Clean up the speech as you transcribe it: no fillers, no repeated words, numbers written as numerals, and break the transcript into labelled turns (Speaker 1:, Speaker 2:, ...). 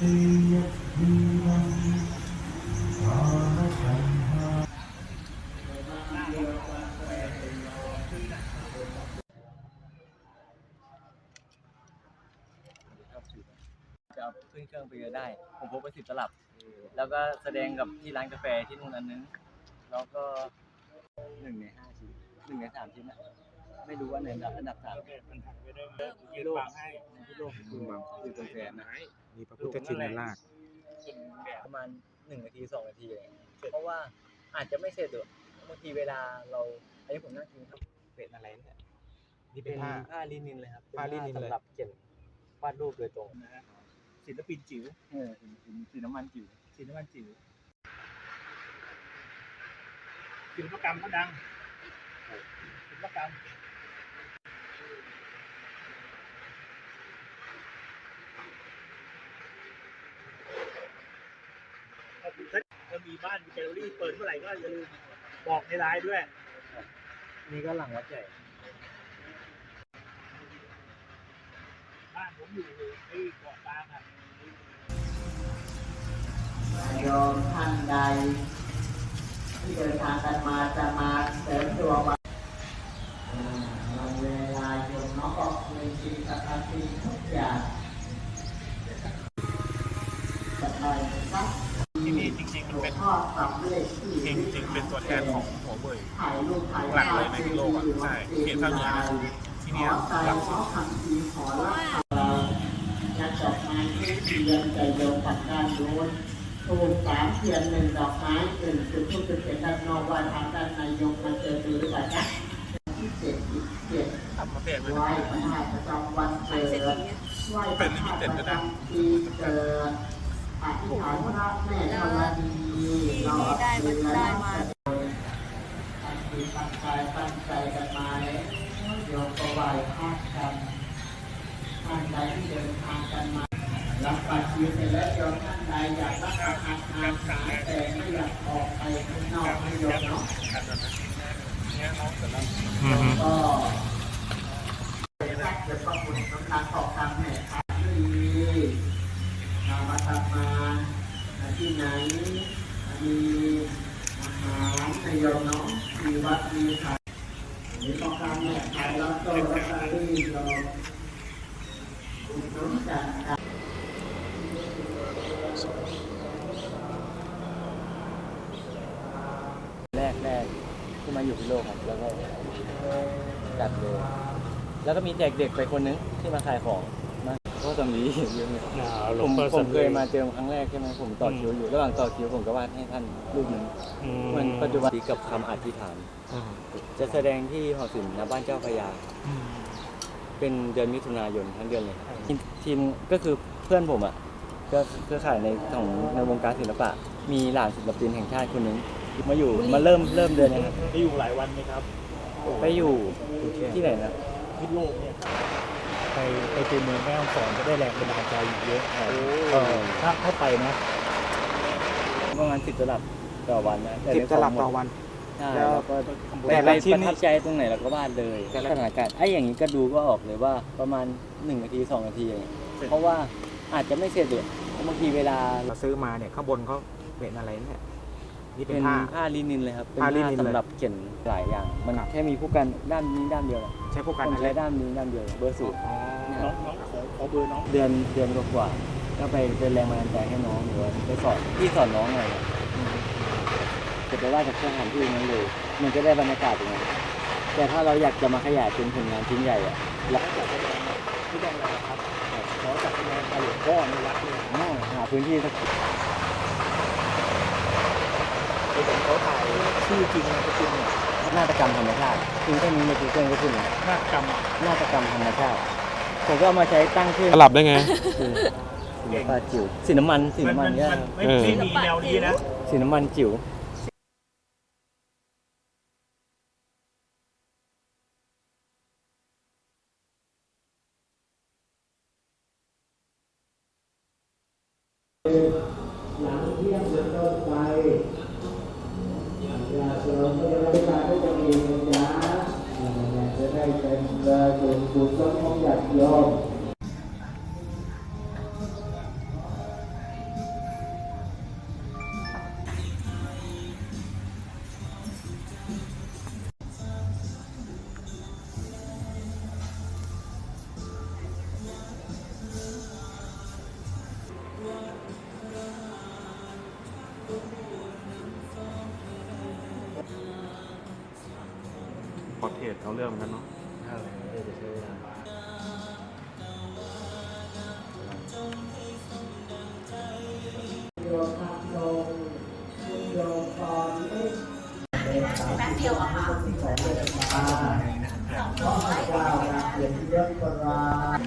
Speaker 1: จะเอาขึ้นเครื่องไปได้ผมพกไป10 ตลับแล้วก็แสดงกับที่ร้านกาแฟที่นู่นอันนึงแล้วก็1 ใน 5 ชิ้น1 ใน 3 ชิ้นนะไม่รู้ว่าในอันดับ3ที่โลกที่โลกคือตัวแทนนะ
Speaker 2: มีพระพุทธชินราช
Speaker 1: ประมาณ1 นาที 2 นาทีเพราะว่าอาจจะไม่เสร็จหรอกบางทีเวลาเราอันนี้ผมนั่งกินครับ
Speaker 2: เป็นอะไรเนี่ยนี่
Speaker 1: เป็นผ้าลินินเลยครับผ้าลินินสำหรับเขียนวาดรูปโดยตรงนะศิลปินจิ๋วสีน้ำมันจิ๋วศิลปกรรมก็ดังศิลปกรรมถ้ามีบ้านมีแกลเลอรี่เปิดเมื่อไหร่ก็อย่าลืมบอกในไลน์ด้วยนี่ก็หลังวัดใหญ่บ้านผมอยู่ที่เกาะกลางครับ
Speaker 3: โยมท่านใดที่เดินทางกันมาจะมาเสริมดวงวันเวลาโยมน้องก็มีสิ่งสำคัญทุกอย่างจะไปครับ
Speaker 2: ที่นี่จริงๆมันเป็น
Speaker 3: พ่อสำเร็จ
Speaker 2: จริงๆเป็นตัวแทนของหัวเว่ย
Speaker 3: ถ่ายรูปถ่าย
Speaker 2: หลักเลยในโลกอ่ะใช่เขตภาคเหนือที่นี่หลักสุด
Speaker 3: ขอรักเราจะดอกไม้ที่เดือนใจโยมปัดด้านโน้นทูบ3 เทียน 1 ดอกไม้1 จุดทูบจุดเทียนด้านนอกวันทางด้านในโยมมาเจอดูหรือเปล่าจ๊ะที่7
Speaker 2: ทำมาเปลี่ยน
Speaker 3: ไหว้พระธาตุประจำวันเกิดไหว้พระธาตุประจำปีเกิดอธิษฐานพระแม่ธรณีเราได้มาตั้งใจกันมาแล้วโยมก็ไหว้พระกันท่านใดที่เดินทางกันมารับบัตรคิวเสร็จแล้วโยมท่านใดอยากรับประทานอาหารแต่ไม่อยากออกไปข้างนอกให้โยมเนาะก็จะประมุ่นกำลังออกทางแห่ขายดีเรามาทำมาที่ไหนมีอาหารในโยมเนาะมีวัดมีขายมีต้องการแห่ขายแล้วก็ลอตเตอรี่โยมน้องจัน
Speaker 1: แรกที่มาอยู่พิโลกครับแล้วก็จัดเลยแล้วก็มีแจกเด็กไปคนนึงที่มาขายของนะก็จะมีเยอะเลยผมเคยมาเจอครั้งแรกใช่ไหมผมต่อคิวอยู่ระหว่างต่อคิวผมก็วาดให้ท่านรูปหนึ่งเหมือนปัจจุบันกับคำอธิษฐานจะแสดงที่หอศิลป์ณบ้านเจ้าพระยาเป็นเดือนมิถุนายนทั้งเดือนเลยทีมก็คือเพื่อนผมอ่ะก็เครือข่ายในวงการศิลปะมีหลานศิลปินแห่งชาติคนนึงมาอยู่มาเริ่มเดือนนี้ครับ
Speaker 2: ไปอยู่หลายวันไหมครับ
Speaker 1: ไปอยู่ที่ไหนนะ
Speaker 2: พิษโลกเนี่ยไปตัวเมืองแม่ฮ่องสอนก็ได้แรงบันดาลใจอยู่เยอะถ้าเข้าไปนะ
Speaker 1: ประมาณ10 ตลับต่อวันนะ
Speaker 2: 10 ตลับต่อวัน
Speaker 1: แล้วก็แต่ละชิ้นประทับใจตรงไหนเราก็วาดเลยสถานการณ์อย่างนี้ก็ดูก็ออกเลยว่าประมาณ1 นาที 2 นาทีอย่างเงี้ยเพราะว่าอาจจะไม่เสร็จเลยบางทีเวลา
Speaker 2: เราซื้อมาเนี่ยข้างบนเขาเป็นอะไรเนี่ย
Speaker 1: นี่เป็นผ้าลินินเลยครับเป็นผ้าสำหรับเขียนหลายอย่างมันแค่มีผู้กันด้านนี้ด้านเดียว
Speaker 2: ใช้ผู้กัน
Speaker 1: ใช้ด้านนี้ด้านเดียวเบอร์สูตร
Speaker 2: น้องขอเบอร์น้อง
Speaker 1: เดือนกว่าก็ไปเป็นแรงบันดาลใจให้น้องหรือว่าไปสอนน้องหน่อยจะไปว่าจากสถานที่นั้นเลยมันจะได้บรรยากาศอย่างนั้นแต่ถ้าเราอยากจะมาขยายเป็นผลงานชิ้นใหญ่อะ
Speaker 2: แล้วจัดแสดงที่แดงอะไรครับขอจัดแสดงหลวงพ่อในวัดเนี่ย
Speaker 1: หาพื้นที่สัก
Speaker 2: เขาถ่ายชื่อจริงก็คือ
Speaker 1: นาฏกรรมธรรมชาติคือแค่นี้ในกูเกิลก็ขึ้น
Speaker 2: นาฏกรรม
Speaker 1: ธรรมชาติผมก็เอามาใช้ตั้งชื่อ
Speaker 4: สลับได้ไง
Speaker 1: ศิลปะจิ๋วสีน้ำมันเนี่ย
Speaker 2: ไม่มีแนวนี้นะ
Speaker 1: สีน้ำมันจิ๋ว
Speaker 3: หลังเที่ยงเป็นต้นไปอย่าเสริมไม่ได้เวลาก็จะมีนะจ๊ะจะได้เป็นส่วนบุญของญาติโยม
Speaker 4: พอร์เทรตเอาเรื่องเหมือนกันเนาะ
Speaker 2: ใช่จะใช้เวลา
Speaker 3: โยมทำลงคุณโยมตอนนี้แป๊บเดียวอะค่ะของเวลาขอพระเจ้าเกียรติยศประรา